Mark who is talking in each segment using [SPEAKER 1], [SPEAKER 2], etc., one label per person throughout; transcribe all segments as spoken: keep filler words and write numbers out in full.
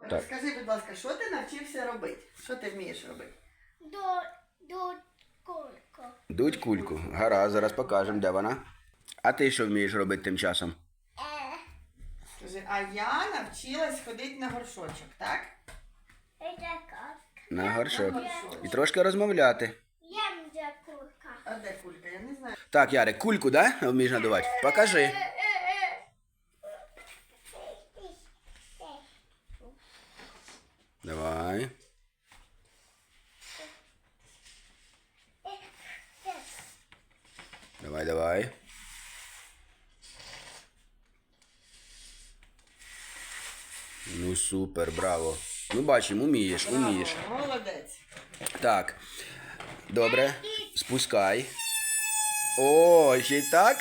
[SPEAKER 1] Так.
[SPEAKER 2] Скажи, будь ласка, що ти навчився робити? Що ти вмієш робити?
[SPEAKER 3] До, до кульку.
[SPEAKER 1] Дуть кульку. Гаразд, зараз покажемо, де вона. А ти що вмієш робити тим часом?
[SPEAKER 3] Е,
[SPEAKER 2] Скажи, а я навчилась ходити на горшочок, так?
[SPEAKER 3] це как.
[SPEAKER 1] На горшок.
[SPEAKER 2] горшок.
[SPEAKER 1] І трошки розмовляти.
[SPEAKER 3] Ям за кулька.
[SPEAKER 2] А де кулька? Я не знаю.
[SPEAKER 1] Так, Ярик, кульку, да? Вмієш надувати? Покажи. Давай. Давай, давай. Ну супер, браво. Ну бачимо, умієш, умієш.
[SPEAKER 2] Браво, молодець.
[SPEAKER 1] Так. Добре. Спускай. О, ще й так?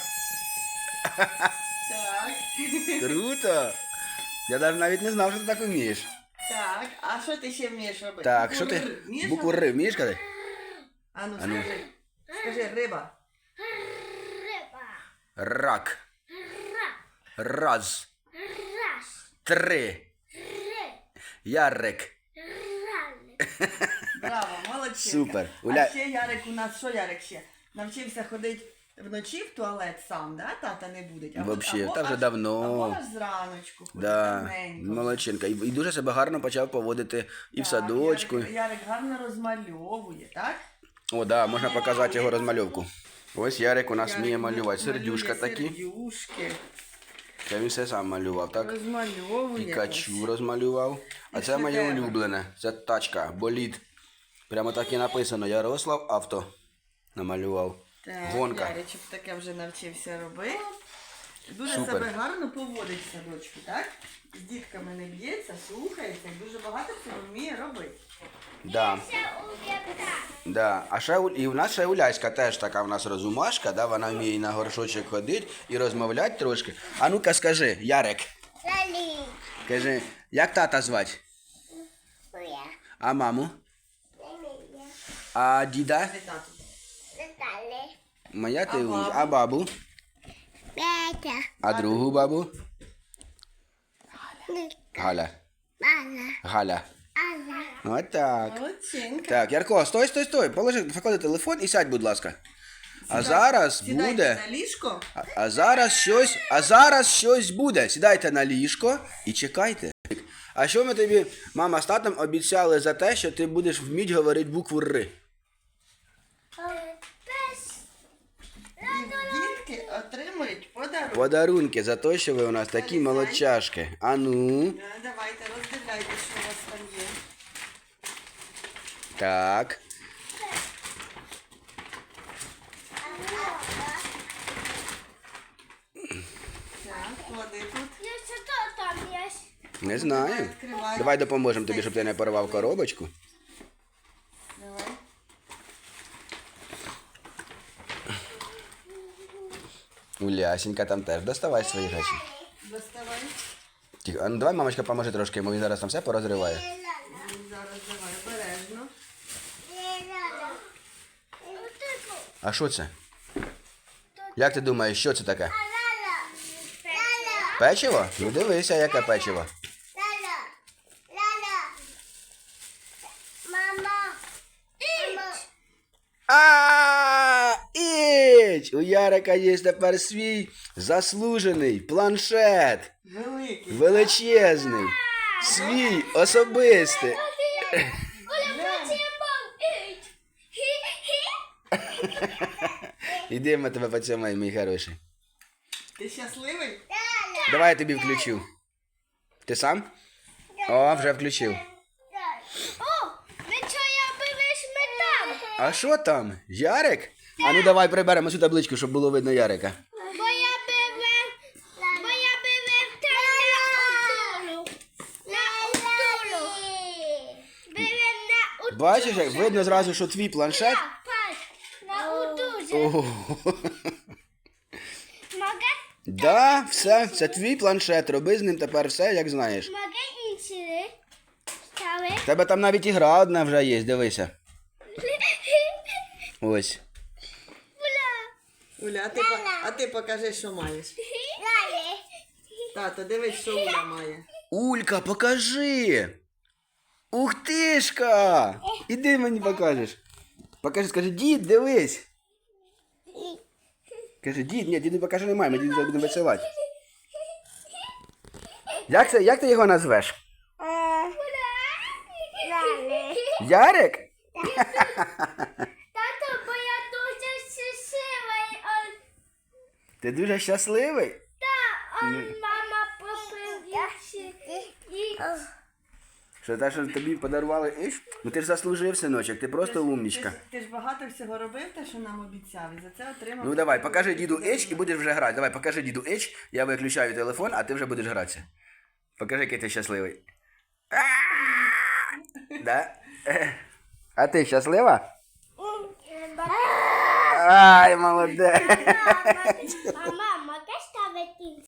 [SPEAKER 2] Так.
[SPEAKER 1] Круто. Я навіть навіть не знав, що ти так вмієш.
[SPEAKER 2] Так, а що ти ще вмієш робити?
[SPEAKER 1] Так, що
[SPEAKER 2] Букву
[SPEAKER 1] ти?
[SPEAKER 2] Р вмієш
[SPEAKER 1] Букву
[SPEAKER 2] робити?
[SPEAKER 1] Р вмієш казати?
[SPEAKER 2] А ну
[SPEAKER 1] А ну.
[SPEAKER 2] скажи. Скажи, риба.
[SPEAKER 3] Риба.
[SPEAKER 1] Рак.
[SPEAKER 3] Ра.
[SPEAKER 1] Раз.
[SPEAKER 3] Раз.
[SPEAKER 1] Три.
[SPEAKER 3] Ри.
[SPEAKER 1] Ярик.
[SPEAKER 3] Рали.
[SPEAKER 2] Браво, молодчинка.
[SPEAKER 1] Супер.
[SPEAKER 2] А
[SPEAKER 1] Уля-
[SPEAKER 2] ще Ярик у нас, що Ярик ще? Навчився ходити вночі в туалет сам, да? Тата не буде. А
[SPEAKER 1] Вообще,
[SPEAKER 2] або
[SPEAKER 1] та вже
[SPEAKER 2] аж-
[SPEAKER 1] давно.
[SPEAKER 2] Або аж зраночку. ходить,
[SPEAKER 1] Да,
[SPEAKER 2] давненько.
[SPEAKER 1] молодчинка. І, і дуже себе гарно почав поводити і в
[SPEAKER 2] Так,
[SPEAKER 1] садочку.
[SPEAKER 2] Ярик, Ярик гарно розмальовує, так?
[SPEAKER 1] О, да, можна показати його розмальовку. Ось Ярик у нас
[SPEAKER 2] Ярик
[SPEAKER 1] вміє малювати.
[SPEAKER 2] малює
[SPEAKER 1] Сердюшка такі.
[SPEAKER 2] Сердюшки.
[SPEAKER 1] Це він все сам малював, так?
[SPEAKER 2] Розмальовує.
[SPEAKER 1] Пікачу
[SPEAKER 2] ось.
[SPEAKER 1] розмалював. А
[SPEAKER 2] І
[SPEAKER 1] це моє
[SPEAKER 2] шедевр.
[SPEAKER 1] улюблене. Це тачка, болід. Прямо так і написано. Ярослав авто. Намалював.
[SPEAKER 2] Так,
[SPEAKER 1] Гонка.
[SPEAKER 2] Яричок таке вже навчився робити. Дуже
[SPEAKER 1] Супер.
[SPEAKER 2] себе гарно поводить в садочку, так? З дітками не б'ється, слухається, і дуже багато цього вміє робити.
[SPEAKER 1] Да.
[SPEAKER 3] Це ув'яка.
[SPEAKER 1] Да. А ще у- і в нас ще Уляська теж така в нас розумашка, да? Вона вміє і на горшочок ходити і розмовляти трошки. А ну-ка скажи, Ярик,
[SPEAKER 3] Лалі.
[SPEAKER 1] кажи, як тата звати?
[SPEAKER 3] Уя.
[SPEAKER 1] А маму?
[SPEAKER 3] Лалія.
[SPEAKER 1] А діда?
[SPEAKER 2] Скажи тату.
[SPEAKER 3] Наталі.
[SPEAKER 1] Моя ти
[SPEAKER 2] А
[SPEAKER 1] умніч.
[SPEAKER 2] бабу?
[SPEAKER 1] А бабу?
[SPEAKER 3] Петя.
[SPEAKER 1] А другу бабу?
[SPEAKER 3] Ніка.
[SPEAKER 1] Галя.
[SPEAKER 3] Мала.
[SPEAKER 1] Галя.
[SPEAKER 3] Алла.
[SPEAKER 1] Отак.
[SPEAKER 2] Молодчинка.
[SPEAKER 1] Так, Ярко, стой, стой, стой. Положи, поклади телефон і сядь, будь ласка. А зараз
[SPEAKER 2] Сідайте
[SPEAKER 1] буде.
[SPEAKER 2] на ліжко.
[SPEAKER 1] А, а зараз щось, а зараз щось буде. Сідайте на ліжко і чекайте. А що ми тобі, мама з татом, обіцяли за те, що ти будеш вміти говорити букву Р?
[SPEAKER 3] Пес.
[SPEAKER 2] І дітки отримують подарунок.
[SPEAKER 1] Подарунки за те, що ви у нас такі молодчашки. А ну.
[SPEAKER 2] Да, давайте роздивляйте, що у вас там є.
[SPEAKER 1] Так.
[SPEAKER 2] Так, клади тут.
[SPEAKER 3] Я що там є?
[SPEAKER 1] Не знаю.
[SPEAKER 2] Відкривай.
[SPEAKER 1] Давай допоможемо тобі, щоб ти не порвав коробочку.
[SPEAKER 2] Давай.
[SPEAKER 1] Улясенька там теж. Доставай свої речі.
[SPEAKER 2] Доставай.
[SPEAKER 1] Тихо. А ну давай, мамочка, поможи трошки, йому він зараз там все порозриває.
[SPEAKER 2] Зараз давай обережно.
[SPEAKER 1] А що це? Як ти думаєш, що це таке? Печиво? Ну дивися, яке печиво.
[SPEAKER 3] Мама.
[SPEAKER 1] А, іч! У Ярика є тепер свій заслужений планшет.
[SPEAKER 2] Великий.
[SPEAKER 1] Величезний. Свій особистий.
[SPEAKER 3] Оля, хоче мам.
[SPEAKER 1] Іди, ми тебе поцьомаємо, мій хороший.
[SPEAKER 2] Ти щасливий?
[SPEAKER 1] Давай я тобі включу. Ти сам? О, вже включив.
[SPEAKER 3] О, ви що я бивиш метам?
[SPEAKER 1] А що там? Ярик? А ну давай приберемо цю табличку, щоб було видно Ярика.
[SPEAKER 3] Бо я бивив, бо я бивив те на утулу. На утулу. Бивив на утулу.
[SPEAKER 1] Бачиш, як видно зразу, що твій планшет.
[SPEAKER 3] Паш, на утузі.
[SPEAKER 1] Ого.
[SPEAKER 3] Могę,
[SPEAKER 1] Да, все, це твій планшет. Роби з ним тепер все, як знаєш.
[SPEAKER 3] mogę інші стали?
[SPEAKER 1] В тебе там навіть ігра одна вже є, дивися. Ось.
[SPEAKER 3] Уля.
[SPEAKER 2] Уля, а ти, по- а ти покажи, що маєш.
[SPEAKER 3] Лалі.
[SPEAKER 2] Тато, дивись, що Уля має.
[SPEAKER 1] Улька, покажи. Ух тишка. Іди мені покажеш. Покажи, скажи, дід, дивись. Каже, дід, ні, діду покажи немає, ми діду будемо веселати. Як, це, як ти його назвеш? Ярик?
[SPEAKER 3] Тато, бо я дуже щасливий.
[SPEAKER 1] Ти дуже щасливий?
[SPEAKER 3] Та, мама попила.
[SPEAKER 1] Що те, що тобі подарували іш? Ну ти ж заслужив, синочок, ти просто умнічка.
[SPEAKER 2] Ти ж, ти ж багато всього робив, те, що нам обіцяв, і за це отримав.
[SPEAKER 1] Ну давай, покажи діду Іч і будеш вже грати. Давай, покажи діду Іч, я виключаю телефон, а ти вже будеш гратися. Покажи, який ти щасливий. Да? А ти щаслива? Ай, молодець.
[SPEAKER 3] Мама, можеш ставити